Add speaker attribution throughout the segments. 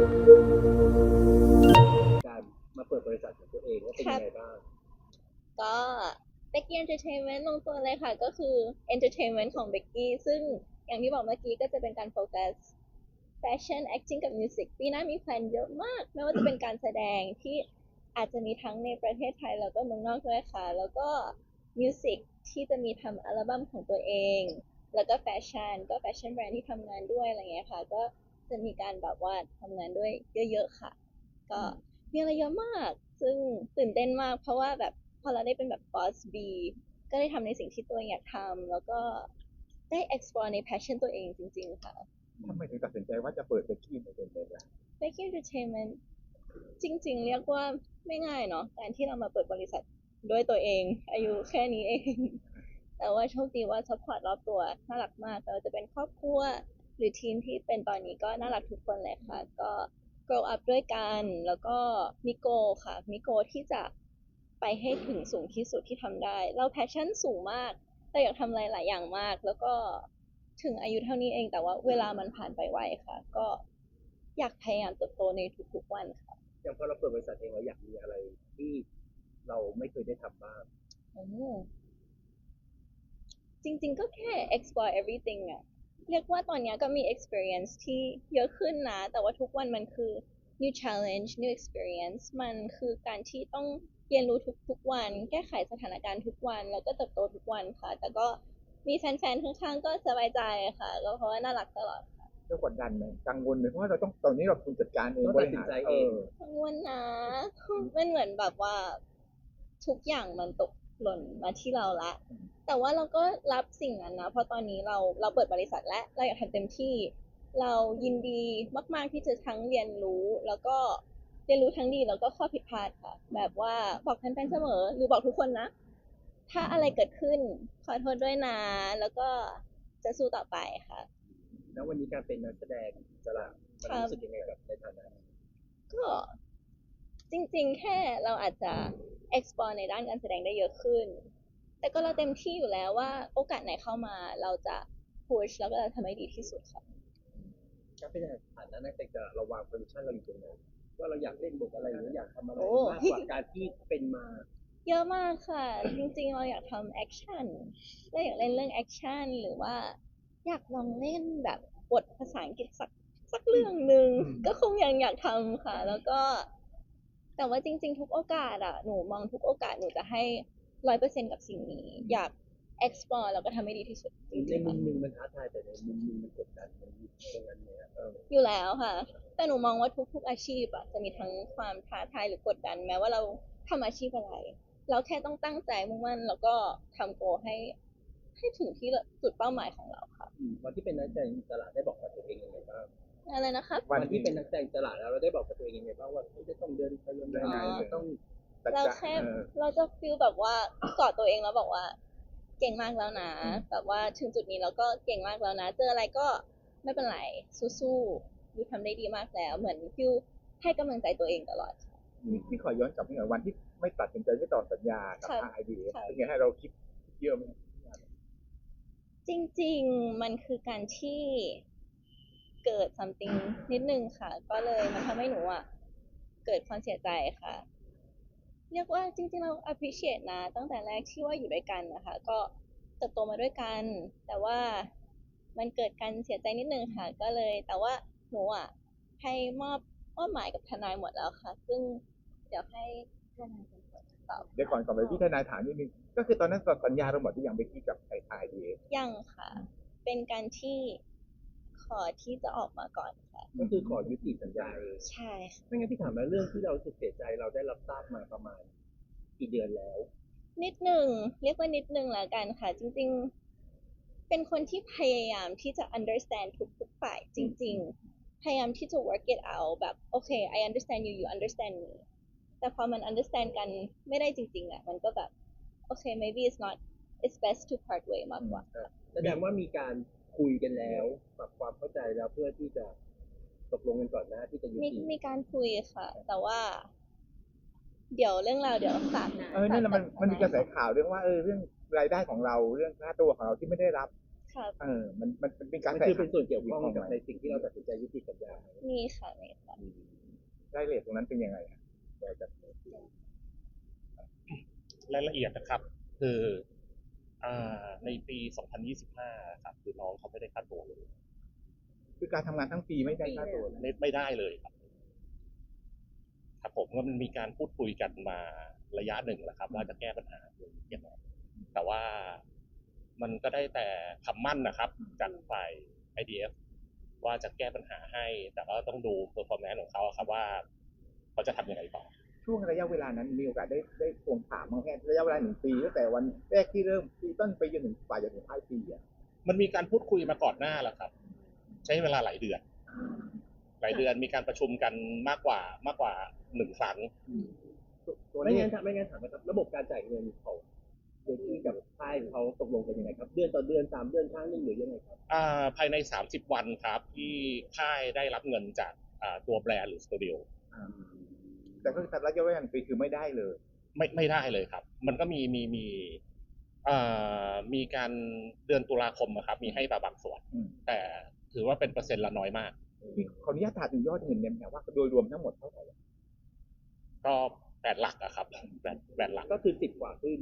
Speaker 1: การมาเปิดบริษัทของตัวเองว่าเป็นยังไงบ้าง
Speaker 2: ก็เบกกี้เอนเตอร์เทนเมนต์ลงตัวเลยค่ะก็คือเอนเตอร์เทนเมนต์ของเบกกี้ซึ่งอย่างที่บอกเมื่อกี้ก็จะเป็นการโฟกัสแฟชั่น acting กับมิวสิกปีหน้ามีแพลนเยอะมากไม่ว่าจะเป็นการแสดงที่อาจจะมีทั้งในประเทศไทยแล้วก็เมืองนอกด้วยค่ะแล้วก็มิวสิกที่จะมีทำอัลบั้มของตัวเองแล้วก็แฟชั่นก็แฟชั่นแบรนด์ที่ทำงานด้วยอะไรเงี้ยค่ะก็จะมีการแบบว่าทำงานด้วยเยอะๆค่ะก็มีอะไรเยอะมากซึ่งตื่นเต้นมากเพราะว่าแบบพอเราได้เป็นแบบบอสบีก็ได้ทำในสิ่งที่ตัวเองอยากทำแล้วก็ได้ explore ใน passion ตัวเองจริงๆค่ะ
Speaker 3: ทำไมถึงตัดสินใจว่าจะเปิดเป็นที่ในเป็นเลยล่ะ
Speaker 2: Baking Entertainment จริงๆเรียกว่าไม่ง่ายเนาะการที่เรามาเปิดบริษัทด้วยตัวเองอายุแค่นี้เองแต่ว่าโชคดีว่าซัพพอร์ตรอบตัวน่ารักมากไม่ว่าจะเป็นครอบครัวหรือทีมที่เป็นตอนนี้ก็น่ารักทุกคนเลยค่ะก็ grow up ด้วยกันแล้วก็มีโกค่ะมีโกที่จะไปให้ถึงสูงที่สุดที่ทำได้เราแพชชั่นสูงมากเราอยากทำอะไรหลายอย่างมากแล้วก็ถึงอายุเท่านี้เองแต่ว่าเวลามันผ่านไปไวค่ะก็อยากพยายามเติบโตในทุกๆวันค่ะ
Speaker 1: อย่างพอเราเปิดบริษัทเองเราอยากมีอะไรที่เราไม่เคยได้ทำบ้าง
Speaker 2: โอ้จริงๆก็แค่ explore everything อะเรียกว่าตอนนี้ก็มี experience ที่เยอะขึ้นนะแต่ว่าทุกวันมันคือ new challenge new experience มันคือการที่ต้องเรียนรู้ทุกๆวันแก้ไขสถานการณ์ทุกวันแล้วก็เติบโตทุกวันค่ะแต่ก็มีแฟนๆข้างๆก็สบายใจค่ะก็เพราะว่าน่ารักตลอด
Speaker 3: เรื่องกดดันไหมกังวลไหมเพราะว่าเราต้องตอนนี้เราคุณจัดการเอง
Speaker 1: ต้องตัดสินใจเอง
Speaker 2: กังวลนะมันเหมือนแบบว่าทุกอย่างมันตกหล่นมาที่เราละ แต่ว่าเราก็รับสิ่งนั้นนะเพราะตอนนี้เราเปิดบริษัทและเราอยากทำเต็มที่เรายินดีมากๆที่จะทั้งเรียนรู้แล้วก็เรียนรู้ทั้งดีแล้วก็ข้อผิดพลาดค่ะแบบว่าบอกแฟนๆเสมอหรือบอกทุกคนนะถ้าอะไรเกิดขึ้นขอโทษด้วยนะแล้วก็จะสู้ต่อไปค่ะ
Speaker 1: แล้ววันนี้การเป็นนักแสดงอิสระมันรู้สึกยังไงกับในฐานะ
Speaker 2: ก็จริงๆแค่เราอาจจะ explore ในด้านการแสดงได้เยอะขึ้นแต่ก็เราเต็มที่อยู่แล้วว่าโอกาสไหนเข้ามาเราจะ push แล้วก็จะทำให้ดีที่สุดค่ะ
Speaker 1: การเป็นฐานะนักแสดงอิสระเราวางโพซิชั่นเราอยู่ตรงไหนว่าเราอยากเล่นบทอะไรหรืออยากทำอะไร
Speaker 2: โอ้
Speaker 1: มากกว่าการที่เป็นมา
Speaker 2: เยอะมากค่ะ จริงๆเราอยากทำแอคชั่นเราอยากเล่นเรื่องแอคชั่นหรือว่าอยากลองเล่นแบบบทภาษาอังกฤษสักเรื่องหนึ่งก็คงยังอยากทำค่ะ แล้วก็แต่ว่าจริงๆทุกโอกาสอะหนูมองทุกโอกาสหนูจะให้100%กับสิ่งนี้อยาก explore แล้วก็ทำให้ดีที่สุดจ
Speaker 1: ใน
Speaker 2: ริงๆค่ะ
Speaker 1: มุมหนึ่งมันท้าทายแต่ในมุมหนึ่งมันกดดันมันอยู่ตรงนั้นเนี่ย
Speaker 2: อยู่แล้วค่ะ แต่หนูมองว่าทุกๆอาชีพอะจะมีทั้งความท้าทายหรือกดดันแม้ว่าเราทำอาชีพอะไร เราแค่ต้องตั้งใจมุ่งมั่นแล้วก็ทำโกให้ถึงที่จุดเป้าหมายของเราค่ะ
Speaker 1: วันที่เป็นนักแสดงอิสระได้บอกกับตัวเองยังไงบ้าง
Speaker 2: อะไรนะครับ
Speaker 1: วันที่เป็นนักแสดงอิสระแล้วเราได้บอกกับตัวเองยังไงบ้างว่าจะต้องเดินไปยังไงต้อง
Speaker 2: เราแค่เราจะฟีลแบบว่ากอดตัวเองแล้วบอกว่าเก่งมากแล้วนะแบบว่าถึงจุดนี้เราก็เก่งมากแล้วนะเจออะไรก็ไม่เป็นไรสู้ๆยูทำได้ดีมากแล้วเหมือนฟิลให้กำลังใจตัวเองตลอด
Speaker 3: พี่ขอย้อนกลับไปหน่อยวันที่ไม่ตัดสินใจไม่ต่อสัญญากับทางไอดีเป็นไงให้เราคิดเยอะไหม
Speaker 2: จริงๆมันคือการที่เกิด something นิดนึงค่ะก็เลยมันทำให้หนูอ่ะเกิดความเสียใจค่ะเรียกว่าจริงๆเรา appreciate นะตั้งแต่แรกที่ว่าอยู่ด้วยกันนะคะก็เติบโตมาด้วยกันแต่ว่ามันเกิดการเสียใจนิดนึงค่ะก็เลยแต่ว่าหนูอ่ะให้มอบหมายกับทนายหมดแล้วค่ะซึ่งเดี๋ยวให้ทนายเป็นคนตอบ
Speaker 3: เดี๋ยวก่อนไปพี่ทนายถามนิดนึงก็คือตอนนั้นสัญญาเราหมดที่ยังไปคิดกับไอดี
Speaker 2: ยังค่ะเป็นการที่ขอที่จะออกมาก่อนค่ะ
Speaker 1: ก็คือขอยุติสัญญา
Speaker 2: ใช่ค่ะ
Speaker 1: ไม่งั้นพี่ถามมาเรื่องที่เราสึกเสียใจเราได้รับทราบมาประมาณกี่เดือนแล้ว
Speaker 2: นิดหนึ่งเรียกว่านิดหนึ่งแล้วกันค่ะจริงๆเป็นคนที่พยายามที่จะ understand ทุกฝ่ายจริงๆพยายามที่จะ work it out แบบโอเค I understand you you understand me แต่พอมัน understand กันไม่ได้จริงๆอ่ะมันก็แบบโอเค maybe it's best to part way มากกว่า
Speaker 1: แสดงว่ามีการคุยกันแล้วปรับความเข้าใจแล้วเพื่อที่จะตกลงกันก่อนหน้าที่จะยุติ
Speaker 2: มีการคุยค่ะ แต่ว่าเดี๋ยวเรื่องราวเดี๋ยวฝากนะ
Speaker 3: นี่แหละมันมีกระแสข่าวเรื่องว่าเรื่องรายได้ของเราเรื่องค่าตัวของเราที่ไม่ได้รับ
Speaker 2: ค่ะ
Speaker 3: มันเป็นการ
Speaker 1: มัน
Speaker 3: แตะ
Speaker 1: คือเป็นส่วนเกี่ยวข้อง
Speaker 3: ของ
Speaker 1: กับ
Speaker 3: มัน
Speaker 1: ในสิ่งที่เราตัดสินใจยุติสัญญา
Speaker 2: มีค่ะมีค่ะ
Speaker 3: รายละเอียดตรงนั้นเป็นยังไงอะเดี๋ยวจะ
Speaker 4: รายละเอียดนะครับ คือในปี 2025 ครับคือน้องเขาไม่ได้ค่าตัวเลย
Speaker 3: คือการทำงานทั้งปีไม่ได้ค่าตัว
Speaker 4: ไม่ได้เลยครับครับผมก็มันมีการพูดคุยกันมาระยะหนึ่งแล้วครับว่าจะแก้ปัญหาอย่างไรแต่ว่ามันก็ได้แต่คำมั่นนะครับจากฝ่าย IDF ว่าจะแก้ปัญหาให้ แต่ก็ต้องดู performance ของเขาครับว่าเขาจะทำยังไงต่อ
Speaker 3: ช่วงระยะเวลานั้นมีโอกาสได้ทวงถามบ้างแค่ระยะเวลา1 ปีตั้งแต่วันแรกที่เริ่มซีซั่นไปจนถึงปลายจนถึงท้ายปีอ่ะ
Speaker 4: มันมีการพูดคุยมาก่อนหน้าแล้วครับ ใช้เวลาหลายเดือนมีการประชุมกันมากกว่า1 ครั้ง
Speaker 1: ไม่งั้นถามนะครับระบบการจ่ายเงินของเดที่กับค่ายเขาตกลงกันยังไงครับเดือนต่อเดือน3 เดือนครั้งหนึ่งหรือยังไงครับ
Speaker 4: ภายใน30 วันครับที่ค่ายได้รับเงินจากตัวแบรนด์หรือสตูดิโอ
Speaker 3: แต่ก็ระยะเวลา1 ปีคือไม่ได้เลย
Speaker 4: ไม่ได้เลยครับ มันก็มีการเดือนตุลาคมอะครับมีให้บางส่วน แต่ถือว่าเป็นเปอร์เซ็นต์ละน้อยมาก
Speaker 3: ขออนุญาตถามถึงยอดเงินเนี่ยนะว่าโดยรวมทั้งหมดเท่าไหร่
Speaker 4: ก็8 หลักอะครับ8 หลัก
Speaker 1: ก็คือ10 กว่าขึ้น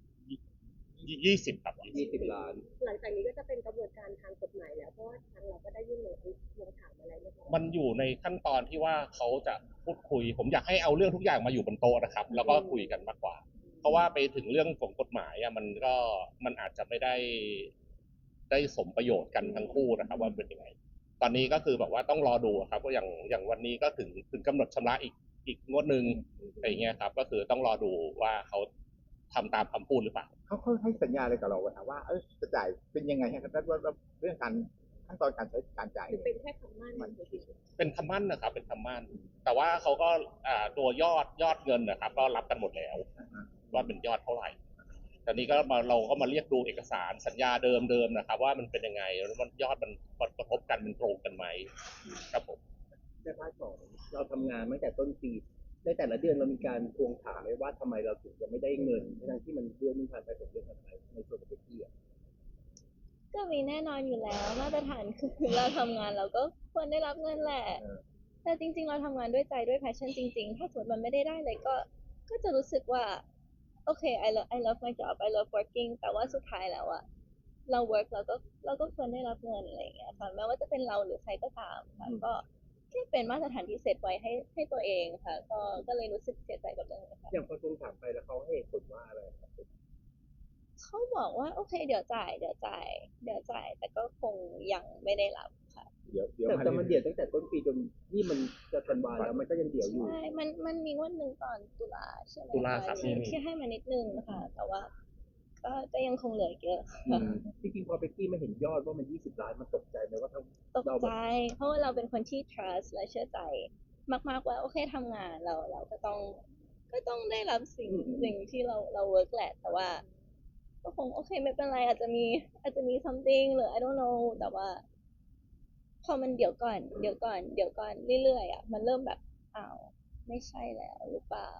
Speaker 4: 20 ครับ
Speaker 1: 20 ล้าน
Speaker 5: หลังจากนี้ก็จะเป็นกระบวนการทางกฎหมายแล้วเพราะว่าทางเราก็ได้ยื่นลงถามอะไรเรียบร้อย
Speaker 4: มันอยู่ในขั้นตอนที่ว่าเขาจะพูดคุย ผมอยากให้เอาเรื่องทุกอย่างมาอยู่บนโต๊ะนะครับ แล้วก็คุยกันมากกว่า เพราะว่าไปถึงเรื่องของกฎหมายอะมันอาจจะไม่ได้สมประโยชน์กันทั้งคู่นะครับว่าเป็นยังไง ตอนนี้ก็คือแบบว่าต้องรอดูครับว่าอย่างวันนี้ก็ถึงกำหนดชำระอีกงวดหนึ่งอะไรเงี้ยครับ ก็คือต้องรอดูว่าเขาทำตามคำพูดหรือเปล่า
Speaker 3: เขาให้สัญญาอะไรกับเราว่าจะจ่ายเป็นยังไงครับแล้วเรื่องการขั้นตอนการใช้การจ่าย
Speaker 5: หรือเป็นแค่คำมั่น
Speaker 4: เป็นคำมั่นนะครับ เป็นคำมั่น แต่ว่าเขาก็ตัวยอดเงินนะครับ ก็รับกันหมดแล้วว่าเป็นยอดเท่าไหร่ตอนนี้ก็เราก็มาเรียกดูเอกสารสัญญาเดิมนะครับ ว่ามันเป็นยังไงแล้วมันยอดมันกระทบกันมันตรงกันไหมครับผม
Speaker 1: ในพาร์ทของเราทำงานตั้งแต่ต้นปีในแต่ละเดือนเรามีการทวงถามไหมว่าทำไมเราถึงจะไม่ได้เงินทั้งที่มันเดือนนึงผ่านไป2 เดือนผ่านไปในส่วนของที่อ่ะ
Speaker 2: ก็มีแน่นอนอยู่แล้วมาตรฐานคือเราทำงานเราก็ควรได้รับเงินแหละ แต่จริงๆเราทำงานด้วยใจด้วย passion จริงๆ ถ้าสมมติมันไม่ได้เลยก็จะรู้สึกว่าโอเค I love my job I love working แต่ว่าสุดท้ายแล้วอะเรา work เราก็ควรได้รับเงินอะไรอย่างเงี้ยค่ะแม้ว่าจะเป็นเราหรือใครก็ตามค่ะก็แค่เป็นมาตรฐานที่เซตไว้ให้ตัวเองค่ะก็เลยรู้สึกเสียใจกับเรื่องนี้ค่ะ
Speaker 1: อย่างพอทวงถามไปแล้วเขาให้เหตุผลว่าอะไรครับ
Speaker 2: เขาบอกว่าโอเคเดี๋ยวจ่ายแต่ก็คงยังไม่ได้รับค่ะ
Speaker 3: เดี๋ยว
Speaker 1: แต่มันเดี่ยวตั้งแต่ต้นปีจนนี่มันจะธันวาแล้วมันก็ยังเดี่ยวอยู่
Speaker 2: ใช่ มันมีงวดหนึ่งตอนตุลาใช่ไหม
Speaker 4: ตุลาครับ
Speaker 2: ที่ให้มานิดนึงค่ะ แต่ว่าก็ยังคงเหลือเยอะ
Speaker 1: จริงๆพอเบกกี้มาเห็นยอดว่ามัน20 ล้านมันตกใจไหมว่าทั้ง
Speaker 2: ตกใจ เพราะว่าเราเป็นคนที่ trust และเชื่อใจ มากๆว่าโอเคทำงานเราก็ต้องได้รับสิ่งที่เรา work แหละ แต่ว่าก็คงโอเคไม่เป็นไรอาจจะมี something หรือ I don't know แต่ว่า พอมันเดี๋ยวก่อนเรื่อยๆอ่ะมันเริ่มแบบอ้าวไม่ใช่แล้วหรือเปล่า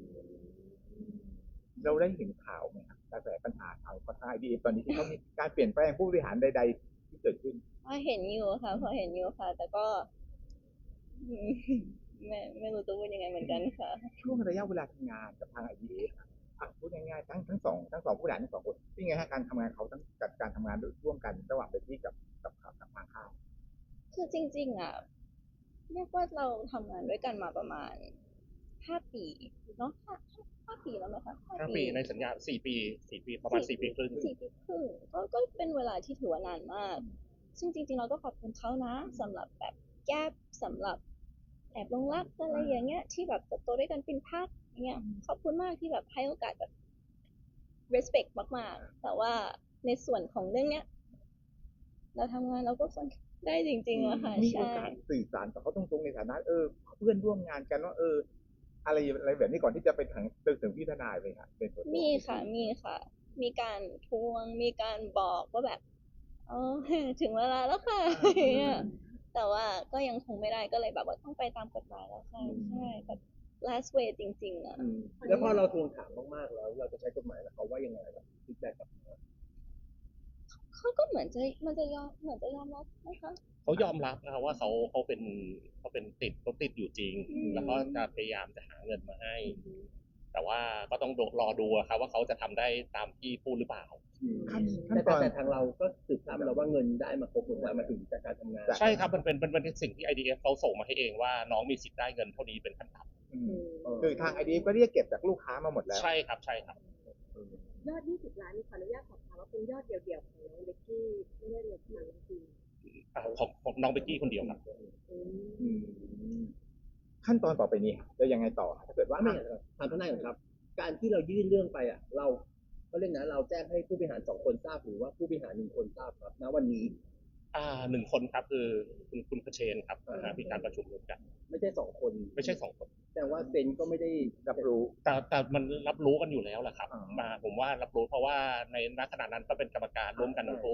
Speaker 3: เราได้เห็นข่าวไหมครับกระแสปัญหาข่าวของทาง IDF ตอนนี้ที่เขามีการเปลี่ยนแปลงผู้บริหารใดๆที่เกิดขึ้น
Speaker 2: พอเห็นอยู่ค่ะ แต่ก็ไม่รู้จะพูดยังไงเหมือนกันค่ะ
Speaker 3: ช่วงระยะเวลาทำงานกับทาง IDF พูดง่ายๆทั้งสองผู้บริหารทั้ง 2 คนเป็นไงฮะการทำงานเขาทั้งการทำงานร่วมกันระหว่างเบกกี้กับทางค่าย
Speaker 2: คือจริงๆอ่ะเรียกว่าเราทำงานด้วยกันมาประมาณ5 ปีเนาะ5 ปีแล้วไหมคะ
Speaker 4: 5 ปีในสัญญา4 ปีประมาณ4 ปีครึ่ง
Speaker 2: 4 ปีครึ่งก็เป็นเวลาที่ถือว่านานมาก ซึ่งจริงๆเราก็ขอบคุณเขานะสำหรับแบบแก้สำหรับแอบลงรักอะไรอย่างเงี้ยที่แบบเติบโตด้วยกันเป็นพักอย่างเงี้ยขอบคุณมากที่แบบให้โอกาสแบบ respect มากๆ แต่ว่าในส่วนของเรื่องเนี้ยเราทำงานเราก็ควรได้จริงๆอะค่ะ
Speaker 3: มีโอ
Speaker 2: ใช่
Speaker 3: กาสสื่อสารกับเขาตรงๆในฐานะเพื่อนร่วมงานกันว่าอะไรแบบนี้ก่อนที่จะไปถึงพี่ทนายไหมครับเป็นตัว
Speaker 2: มีค่ะ มีการทวงมีการบอกว่าแบบอ๋อ ถึงเวลาแล้วค่ะอย่างเงี้ยแต่ว่าก็ยังคงไม่ได้ก็เลยแบบว่าต้องไปตามกฎหมายแล้วค่ะใช่แบบ last way จริงๆอะ
Speaker 1: แล้วพอเราทวงถามมากๆแล้วเราจะใช้กฎหมายแล้วเขาว่ายังไงครับฟีดแบ็กกับ
Speaker 2: เเขาก็เหมือนจะยอมรับนะคะ
Speaker 4: เขายอมรับนะครับว่าเขาติดอยู่จริง
Speaker 2: อืม
Speaker 4: แล้วก็จะพยายามจะหาเงินมาให้ แต่ว่าก็ต้องรอดูอะครับว่าเขาจะทำได้ตามที่พูดหรือเปล่า
Speaker 3: ขั้น
Speaker 1: แต่
Speaker 3: ตอน
Speaker 1: ทางเราก็สืบทราบมาแล้วว่าเงินได้มาครบหมดแล้วมาถึงจากการทำงาน
Speaker 4: ใช่ครับมันเป็นสิ่งที่ IDF เขาส่งมาให้เองว่าน้องมีสิทธิ์ได้เงินเท่านี้เป็นขั้นต่
Speaker 3: คือทางไอดีก็เรียกเก็บจากลูกค้ามาหมดแล้ว
Speaker 4: ำใช่ครับใช่ครับ
Speaker 5: ยอด 20 ล้านขออนุญาตสอบถามว่าเป็นยอดเดี่ยวๆของน้องเบกกี้ไม่ได้รวมทางน้องพี
Speaker 4: ของน้องเบกกี้คนเดียวครับ
Speaker 3: ขั้นตอนต่อไปนี้จะยังไงต่อถ้าเกิดว่า
Speaker 1: ว่าไม่อย่างนั้นถามทนายก่อนครับ การที่เรายื่นเรื่องไปอ่ะเราก็เรื่องนะเราแจ้งให้ผู้บริหาร2 คนทราบหรือว่าผู้บริหาร1 คนทราบครับณวันนี้
Speaker 4: 1 คนครับคือคุณคเชนครับมีการประชุมร่วมกัน
Speaker 1: ไม่ใช่2 คน
Speaker 4: ไม่ใช่2 คน
Speaker 1: แต่ว่าเซนก็ไม่ได้
Speaker 3: รับรู้
Speaker 4: แต่มันรับรู้กันอยู่แล้วแหละครับ
Speaker 3: อ๋อ
Speaker 4: ผมว่ารับรู้เพราะว่าในณขณะนั้นก็เป็นกรรมการร่วมกันทั้งคู่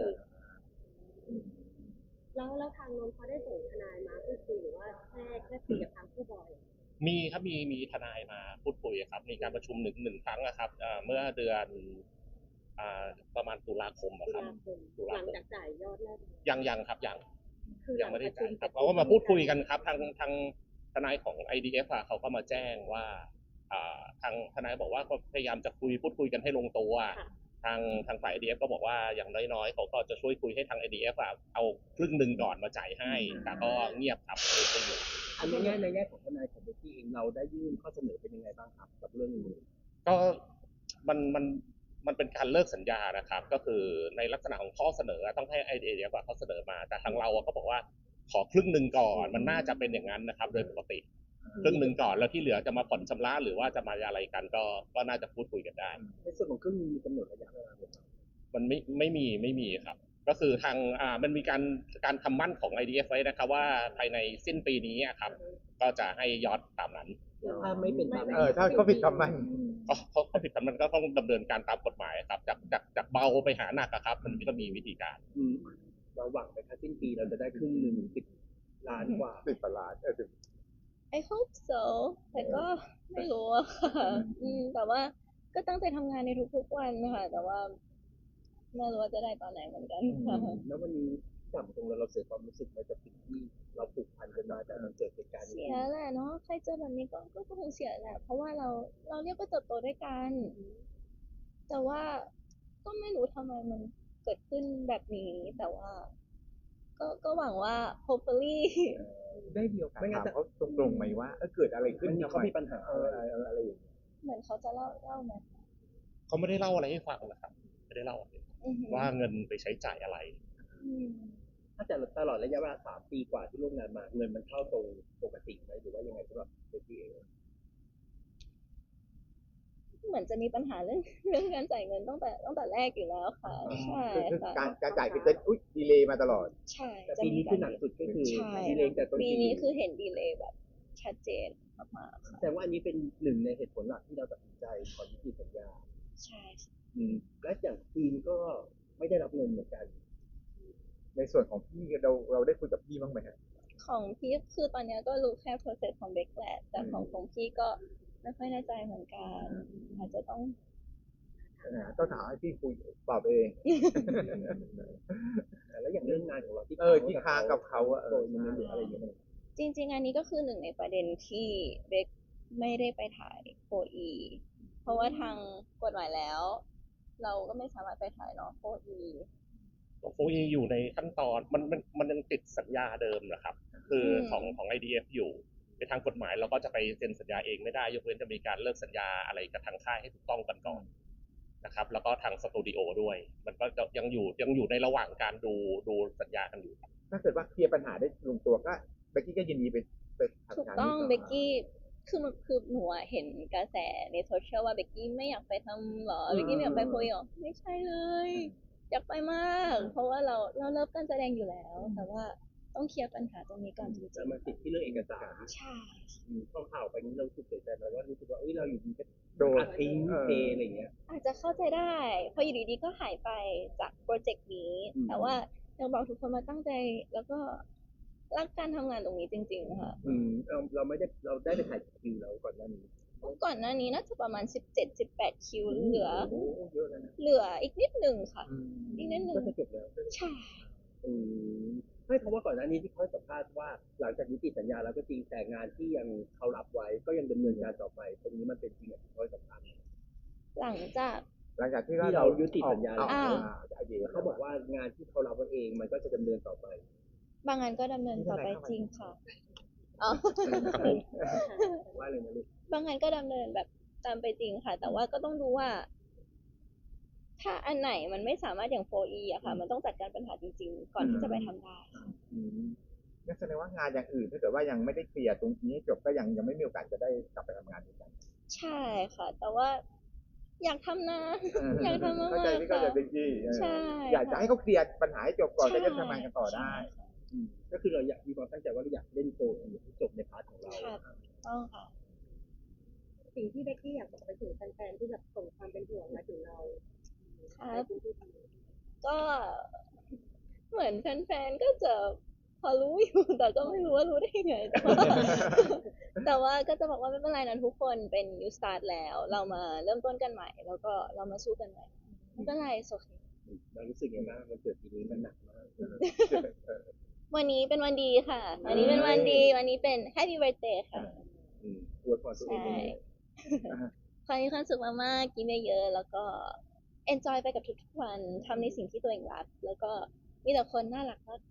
Speaker 5: แล้วทางนนท์เขาได้ส่งทนายมาพูดคุยหรือว่าแค่คุยกับทางผู้บอย
Speaker 4: มีครับมีทนายมาพูดคุยครับมีการประชุมหนึ่งครั้งนะครับเมื่อเดือนประมาณตุลาคมอะ
Speaker 5: ตุ
Speaker 4: ครับ
Speaker 5: ลาคม
Speaker 4: ตุ
Speaker 5: ห
Speaker 4: ลา
Speaker 5: ลัง
Speaker 4: คม
Speaker 5: จากจ่ายยอดแรก
Speaker 4: ยังครับยัง
Speaker 5: คือ
Speaker 4: ยังไม่ได้จ่ายครับ
Speaker 5: ห
Speaker 4: เราก็มาพูดคุยกันครับทางทนายของ IDF อะเขาก็มาแจ้งว่าทางทนายบอกว่าก็พยายามจะพูดคุยกันให้ลงตัว ทางฝ่าย IDF ก็บอกว่าอย่างน้อยๆเขาก็จะช่วยคุยให้ทาง IDF อะเอาครึ่งหนึ่งก่อนมาจ่ายให้ แต่ก็เงียบครับไม่อยู่
Speaker 1: อันนี้ในแง่ของทนายของเบกกี้เองเราได้ยื่นข้อเสนอเป็นยังไงบ้างครับกับเรื่องนี้
Speaker 4: ก็มันเป็นการเลิกสัญญานะครับ ก็คือในลักษณะของข้อเสนอต้องให้ IDF เขาเสนอมา แต่ทางเราก็บอกว่าขอครึ่งหนึ่งก่อนมันน่าจะเป็นอย่างนั้นนะครับ โดยปกติครึ่งหนึ่งก่อนแล้วที่เหลือจะมาผ่อนชำระหรือว่าจะมาอะไรกันก็น่าจะพูดคุยกันได้
Speaker 1: ในส่วนของครึ่งนึงมีกำหนดระยะเวลาไหมครับ
Speaker 4: มันไม่มีครับ ก็คือทางมันมีการทำมั่นของ IDF ไว้นะครับว่าภายในสิ้นปีนี้อะครับ ก็จะให้ยอดตามนั้น
Speaker 1: ถ้าไม่เป็นตาม
Speaker 3: ถ้าเขาผิดคำมั่น
Speaker 4: เขาผิดมันก็ต้องดำเนินการตามกฎหมายครับจากเบาไปหาหนักอะครับ มันก็มีวิธีการ
Speaker 1: เราหวังไปแค่สิ้นปีเราจะได้ครึ่งหนึ่ง10 ล้านกว่า
Speaker 3: 10 กว่าล้าน
Speaker 2: I hope so แต่ก็ไม่รู้อะค่ะแต่ว่าก็ตั้งใจทำงานในทุกๆวันนะคะแต่ว่าไม่รู้ว่าจะได้ตอนไหนเหมือนกันค่ะ
Speaker 1: แล้ววันนี้จับตรงแล้วเราเสียความรู้สึกไหมกับสิ่งที่เราผูกพันกันมาแต่มันเกิดเหตุการณ์นี้
Speaker 2: เสียแหละเนาะใครเจอแบบนี้ก็คงเสียแหละ เพราะว่าเราเรียกว่าเติบโตด้วยกัน แต่ว่าก็ไม่รู้ทำไมมันเกิดขึ้นแบบนี้ แต่ว่า ก็หวังว่า hopefully
Speaker 3: ได้เดียวกันถามเขาตรงๆไหมว่าเกิดอะไรขึ้น
Speaker 1: เขามีปัญหา
Speaker 3: อะไรอย่างเงี้ย
Speaker 2: เหมือนเขาจะเล่าไหม
Speaker 4: เขาไม่ได้เล่าอะไรให้ฟังนะครับ ไม่ได้เล่า
Speaker 2: อือหือ
Speaker 4: ว่าเงินไปใช้จ่ายอะไร
Speaker 2: อืม
Speaker 1: ถ้าแต่ตลอดระยะเวลา3 ปีกว่าที่ร่วมงานมาเงินมันเข้าตรงปกติไหมหรือว่ายังไงสำหรับเบกกี้เอง
Speaker 2: เหมือนจะมีปัญหาเรื่องการจ่ายเงินตั้งแต่แรกอยู่แล้วค่ะ ใช่
Speaker 3: คือ
Speaker 2: ค่ะ
Speaker 3: การจ่ายคือจะดีเลย์มาตลอด
Speaker 2: ใช่
Speaker 1: แต่ปีนี้คือหนักสุดก็คือ
Speaker 2: ใช่
Speaker 1: ดีเลย์แต่ต้น
Speaker 2: ปี
Speaker 1: ปี
Speaker 2: นี้คือเห็นดีเลย์แบบชัดเจนมากๆค่ะ
Speaker 1: แต่ว่าอันนี้เป็นหนึ่งในเหตุผลหลักที่เราตัดสินใจขอยุติสัญญา
Speaker 2: ใช่ค่ะ
Speaker 1: และอย่างทีมก็ไม่ได้รับเงินเหมือนกัน
Speaker 3: ในส่วนของพี่เราได้คุยกับพี่บ้างไหมฮะ
Speaker 2: ของพี่คือตอนเนี้ยก็รู้แค่ process ของเบคแหละแต่ของพี่ก็ไม่ค่อยแน่ใจเหมือนกันอาจจะต้อง
Speaker 3: ต้องถามให้พี่คุยตอบเอง
Speaker 1: แล้วอย่างเรื่องงานของเราที่
Speaker 3: ที่ค้างกับเขาอะ
Speaker 1: โดยมันหรืออะไรอย่างเงี้ย
Speaker 2: จริงๆ อันนี้ก็คือหนึ่งในประเด็นที่เบคไม่ได้ไปถ่ายโ 4E เพราะว่าทางกฎหมายแล้ว เราก็ไม่สามารถไปถ่ายเนาะ 4E
Speaker 4: โฟอีอยู่ในขั้นตอนมันยังติดสัญญาเดิมนะครับ คือของ IDF อยู่ในทางกฎหมายเราก็จะไปเซ็นสัญญาเองไม่ได้ยกเว้นจะมีการเลิกสัญญาอะไรกับทางค่ายให้ถูกต้องกันก่อนนะครับแล้วก็ทางสตูดิโอด้วย มันก็ยังอยู่ในระหว่างการดูสัญญากันอยู่
Speaker 3: ถ้าเกิดว่าเคลียร์ปัญหาได้ลงตัวก็เบกกี้ก็ยินดีไปทำ
Speaker 2: ถูก
Speaker 3: งาน
Speaker 2: ต้อง
Speaker 3: นี้
Speaker 2: เบกกี้คือหนูอะเห็นกระแสในโซเชียลว่าเบกกี้ไม่อยากไปทำหรอเบกกี้ไม่อยากไปโพยหรอไม่ใช่เลยอยากไปมาก เพราะว่าเราเลิฟการแสดงอยู่แล้ว แต่ว่าต้องเคลียร์ปัญหาตรงนี้ก่อนจริ
Speaker 1: แต่
Speaker 2: ง
Speaker 1: มันติดที่เรื่องเอกสาร
Speaker 2: ๆใช่
Speaker 1: พอข่าวไปนี้เรารู้สึกเสียใจไหมว่ารู้สึกว่าเราอยู่ดีก็
Speaker 3: โดน
Speaker 1: ทิ้งเทอะไรอย่างเงี้ย
Speaker 2: อาจจะเข้าใจได้เพราะอยู่ดีๆก็หายไปจากโปรเจกต์นี้ แต่ว่ายังบอกทุกคนมาตั้งใจแล้วก็รักการทำงานตรงนี้จริงๆนะคะ
Speaker 1: เราได้ไปถ่ายคิวแล้วก่อนหน้านี้
Speaker 2: ก่อนหน้านี้น่าจะประมาณ17-18 คิวเหลือ
Speaker 3: โอ้เยอะแล้วนะ
Speaker 2: เหลืออีกนิดหนึ่งค่ะ อีกนิดหนึ่
Speaker 1: ก็
Speaker 2: ง
Speaker 1: จะจบแล้ว
Speaker 2: ใช่
Speaker 1: อืมไม่เพราะว่าก่อนหน้านี้ที่เขาให้สัมภาษณ์ว่าหลังจากยุติสัญญาแล้วก็จริงแต่งานที่ยังเขารับไว้ก็ยังดำเนินการต่อไป ตรงนี้มันเป็นจริงอย่างที่เขาให้สัมภาษณ์
Speaker 2: หลังจาก
Speaker 3: หลังจากที่
Speaker 1: ที่เรายุติสัญญา
Speaker 3: ออก
Speaker 2: อ่า
Speaker 3: จากIDF
Speaker 1: เขาบอกว่างานที่เขารับไว้เองมันก็จะดำเนินต่อไป
Speaker 2: บางงานก็ดำเนินต่อไปจริงค่ะอ๋อ
Speaker 4: ครับผม
Speaker 1: ว่าเลยนะลูก
Speaker 2: บางงานก็ดำเนินแบบตามไปจริงค่ะ แต่ว่าก็ต้องดูว่า ถ้าอันไหนมันไม่สามารถอย่าง 4E อะค่ะ มันต้องจัดการปัญหาจริงๆ ก่อนที่จะไปทำได้
Speaker 3: อืมงั้นแสดงว่างานอย่างอื่นถ้าเกิดว่ายังไม่ได้เคลียร์ตรงนี้ให้จบก็ยังไม่มีโอกาสจะได้กลับไปทำงานด้วยกัน
Speaker 2: ใช่ค่ะ แต่ว่าอยากทำนะ อยากทำมาก
Speaker 3: เข้าใจ
Speaker 2: ๆ
Speaker 3: พี่เข้า
Speaker 2: ค่ะ
Speaker 3: ใจเป็นที่
Speaker 2: ใช่
Speaker 3: อยากจะให้เขาเคลียร์ปัญหาให้จบก่อนจะได้ทำงานกันต่อได้
Speaker 1: ก็คือเราอยากมีความตั้งใจว่าเราอยากเล่นโกลอย่างที่จบในพาร์ทของเรา
Speaker 2: ค่ะต้องค่ะ
Speaker 5: สิ่งที่เบกกี้อยากบอกไปถึงแฟนๆที่แบบส่งความเป็นห่วงมาถึงเรา
Speaker 2: ครับ
Speaker 5: ในพื้นที่ตรงนี้
Speaker 2: ก็เหมือนแฟนๆ ก็จะพอรู้อยู่ แต่ก็ไม่รู้ว่ารู้ได้ยังไง แต่ว่าก็จะบอกว่าไม่เป็นไรนะทุกคนเป็น new start แล้ว เรามาเริ่มต้นกันใหม่ แล้วก็เรามาสู้กันใหม่ ไม่เป็นไรโอเค
Speaker 1: เรารู้สึกยังไงบ้างมันเกิดปีนี้มันหนักมาก
Speaker 2: วันนี้เป็นวันดีค่ะ วันนี้เป็นวันดี วันนี้เป็น happy birthday ค่ะ
Speaker 1: อวยพรตัวเองยังไง
Speaker 2: ขอให้มีความสุขมากๆ กินเยอะๆ แล้วก็ enjoy ไปกับทุกๆ วันทำในสิ่งที่ตัวเองรัก แล้วก็มีแต่คนน่ารักมากเลย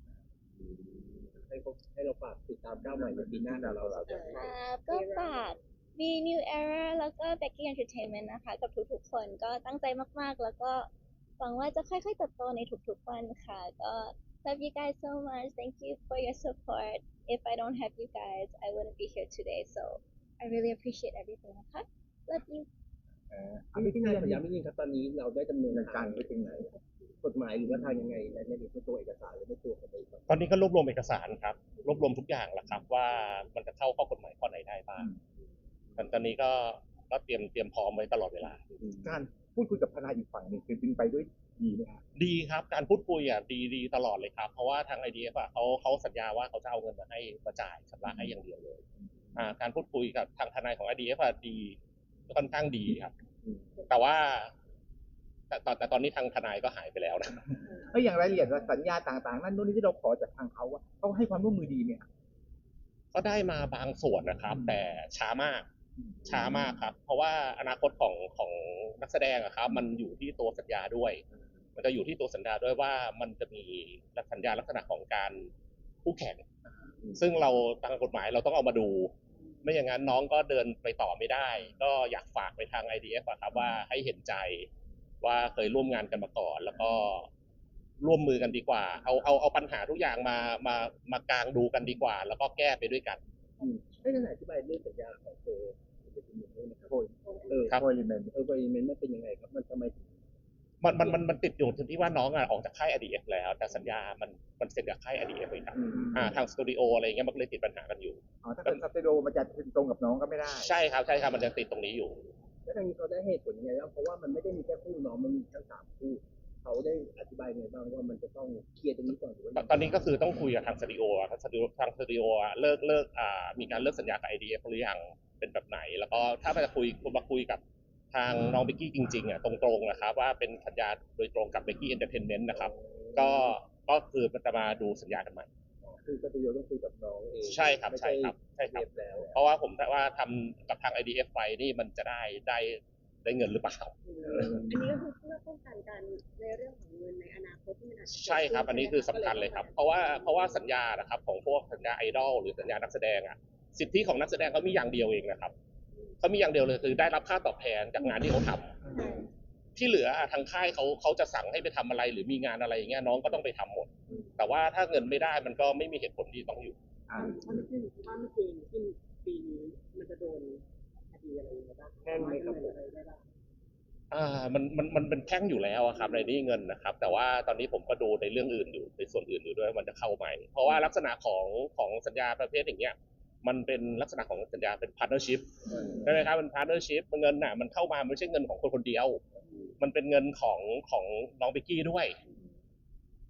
Speaker 1: ให้เราฝากติดตามก้าวใหม่ในปีหน้าของเราจะ
Speaker 2: ครับก็ฝาก V New Era แล้วก็ Becky Entertainment นะคะ กับทุกๆ คนก็ตั้งใจมากๆ แล้วก็หวังว่าจะค่อยๆ เติบโตในทุกๆ วันค่ะ ก็ love you guys so much thank you for your support if I don't have you guys I wouldn't be here today so I really appreciate everything นะคะ love you
Speaker 1: ที่นายขอย้ำนิดนึงครับตอนนี้เราได้ดำเนิน
Speaker 3: เงิน
Speaker 1: กา
Speaker 3: การ
Speaker 1: ร
Speaker 3: ไปถึงไหน
Speaker 1: กฎหมายหรือว่าทางยังไงในตัวเอกสารหรือในตัวของบริษัท
Speaker 4: ตอนนี้ก็รวบรวมเอกสารครับ รวบรวมทุกอย่างแล้วครับ ว่ามันจะเข้าข้อกฎหมายข้อไหนได้บ้างตอนนี้ก็เตรียมพร้อมไว้ตลอดเวลา
Speaker 3: การพูดคุยกับทนายอีกฝั่งหนึ่งคือเป็นไปด้วยดีไหมครับ
Speaker 4: ดีครับการพูดคุยดีตลอดเลยครับ เพราะว่าทาง IDF เขาสัญญาว่าเขาจะเอาเงินมาจ่ายชำระให้อย่างเดียวเลยการพูดคุยกับทางทนายของ IDF ดีค่อนข้างดีครับ แต่ว่าแต่ตอนนี้ทางทนายก็หายไปแล้วนะ
Speaker 3: อย่างรายละเอียดสัญญาต่างๆนั่นนู่นนี่ที่เราขอจากทางเขาว่าเขาให้ความร่วมมือดีไหมครับ
Speaker 4: ก็ได้มาบางส่วนนะครับ แต่ช้ามากครับ เพราะว่าอนาคตของนักแสดงอะครับ มันอยู่ที่ตัวสัญญาด้วย มันจะอยู่ที่ตัวสัญญาด้วยว่ามันจะมีสัญญาลักษณะของการคู่แข่ง ซึ่งเราทางกฎหมายเราต้องเอามาดู ไม่อย่างนั้นน้องก็เดินไปต่อไม่ได้ ก็อยากฝากไปทาง IDF อะครับว่าให้เห็นใจว่าเคยร่วมงานกันมาก่อน แล้วก็ร่วมมือกันดีกว่า เอาปัญหาทุกอย่างมากางดูกันดีกว่า แล้วก็แก้ไปด้วยกัน
Speaker 1: ให้ทนายอธิบายเรื่องสัญญาของเธอเป็นยังไงด้วยนะครับ
Speaker 4: ครับ
Speaker 1: บริเมนต์มันเป็นยังไงครับมันทำไมถึง
Speaker 4: มันติดอยู่ที่ว่าน้องออกจากค่าย IDF แล้ว แต่สัญญามันเซ็นกับค่าย IDF เลยครับทางสตูดิโออะไรอย่างเงี้ยมันก็เลยติดปัญหากันอยู่
Speaker 3: ถ้าเป็นสเตโดมันจะตรงกับน้องก็ไม่ได้
Speaker 4: ใช่ครับมันจะติดตรงนี้อยู่
Speaker 1: แล้วทางนี้เขาได้เหตุผลยังไงบ้างเพราะว่ามันไม่ได้มีแค่คู่น้องมันมีทั้ง3คู่เขาได้อธิบายยังไงบ้างว่ามันจะต้องเคลียร์ตรงนี้ก่อนหรือว่า
Speaker 4: ตอนนี้ก็คือต้องคุยกับทางสตูดิโอทางสตูดิโอเลิกมีการเลิกสัญญากับ IDF หรือยังเป็นแบบไหน แล้วก็ถ้ามาคุยกับทางน้องเบกกี้จริงๆตรงๆนะครับว่าเป็นสัญญาโดยตรงกับเบกกี้เอนเตอร์เทนเมนต์นะครับก็คือมันจะมาดูสัญญากันใหม่
Speaker 1: คือสตูดิโอต้องคุยกับน้องเอง
Speaker 4: ใช่ครับ
Speaker 1: แล้ว
Speaker 4: เพราะว่าผมว่าทำกับทาง IDF ไปนี่มันจะได้เงินหรือเปล่า
Speaker 5: อันนี้ก็คือเพื่อป้องกันการในเรื่องของเงินในอนาคตที่มันอาจจะ
Speaker 4: ใช่ครับอันนี้คือสำคัญเลยครับ เพราะว่าสัญญานะครับของพวกสัญญาไอดอลหรือสัญญานักแสดงสิทธิของนักแสดงเขามีอย่างเดียวเองนะครับเขามีอย่างเดียวเลยคือได้รับค่าตอบแทนจากงานที่เขาทำที่เหลือทางค่ายเขาจะสั่งให้ไปทำอะไรหรือมีงานอะไรอย่างเงี้ยน้องก็ต้องไปทำหมด แต่ว่าถ้าเงินไม่ได้มันก็ไม่มีเหตุผลที่ต้องอยู่
Speaker 5: ถ้าไม่จริงที่ปีนี้มันจะโดนคดีอะไรบ้าง
Speaker 1: แพ่งไหมครับ
Speaker 5: อะไรได้บ้าง
Speaker 4: มันเป็นแพ่งอยู่แล้วครับในนี้เงินนะครับ แต่ว่าตอนนี้ผมก็ดูในเรื่องอื่นอยู่ในส่วนอื่นอยู่ด้วยมันจะเข้าไหมเพราะว่าลักษณะของสัญญาประเภทอย่างเงี้ยมันเป็นลักษณะของสัญญาเป็น partnership ใช่ไหมครับเป็น partnership เงินมันเข้ามาไม่ใช่เงินของคนคนเดียวมันเป็นเงินของน้องเบกกี้ด้วย เพ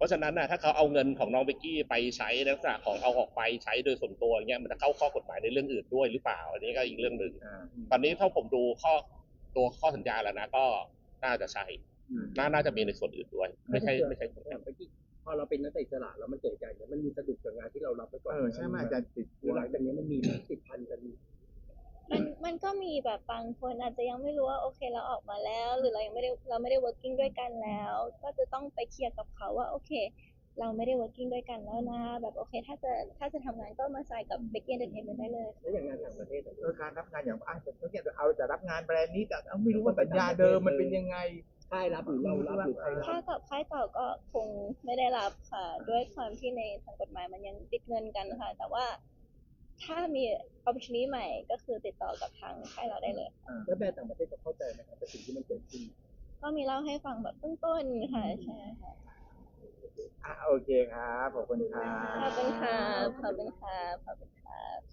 Speaker 4: ราะฉะนั้นนะถ้าเขาเอาเงินของน้องเบกกี้ไปใช้ในลักษณะของเอาออกไปใช้โดยส่วนตัวอย่างเงี้ยมันจะเข้าข้อกฎหมายในเรื่องอื่นด้วยหรือเปล่าอันนี้ก็อีกเรื่องหนึ่งตอนนี้ถ้าผมดูข้อสัญญาแล้วนะก็น่าจะใช่น่าจะมีในส่วนอื่นด้วยไม่ใช่ส่วน
Speaker 1: อย่างเมื่อกี้พอเราเป็นนักเตะอิสระแล้วมันเกิดการเนี่ยมันมีสะดุดกับงานที่เรารับไปก่อน
Speaker 3: ใช่ไหมอาจารย์ติด
Speaker 1: หรือหลังจากนี้มันมีติดพันกัน
Speaker 2: มันก็มีแบบบางคนอาจจะยังไม่รู้ว่าโอเคเราออกมาแล้ว หรือเรายังไม่ได้ working ด้วยกันแล้ว ก็จะต้องไปเคลียร์กับเขาว่าโอเค เราไม่ได้ working ด้วยกันแล้วนะแบบโอเคถ้าจะทำงานก็มาใส่กับ Becky Entertainment ได้เลย
Speaker 1: แล้วอย่างงานต่างประเทศอะ
Speaker 3: การรับงานอย่างเอาจะรับงานแบรนด์นี้แต่ไม่รู้ว่าสัญญาเดิมมันเป็นยังไง
Speaker 1: ค่ายรับหรือเรารับหรือใครรับ
Speaker 2: ถ้ากับค่ายเก่าก็คงไม่ได้รับค่ะ ด้วยความที่ในทางกฎหมายมันยังติดเงินกันค่ะ แต่ว่าถ้ามี opportunity ใหม่ก็คือติดต่อกับทางค่ายเราได้เลย
Speaker 1: แล้วแบรนด์ต่างประเทศจะเข้าใจไหมครับกับสิ่งที่มันเกิดขึ้น
Speaker 2: ก็มีเล่าให้ฟังแบบต้นๆค่ะใช่ค่ะ
Speaker 3: โอเคครับขอบคุณครับ
Speaker 2: ขอบคุณค่ะขอบคุณค่ะขอบคุณค่ะ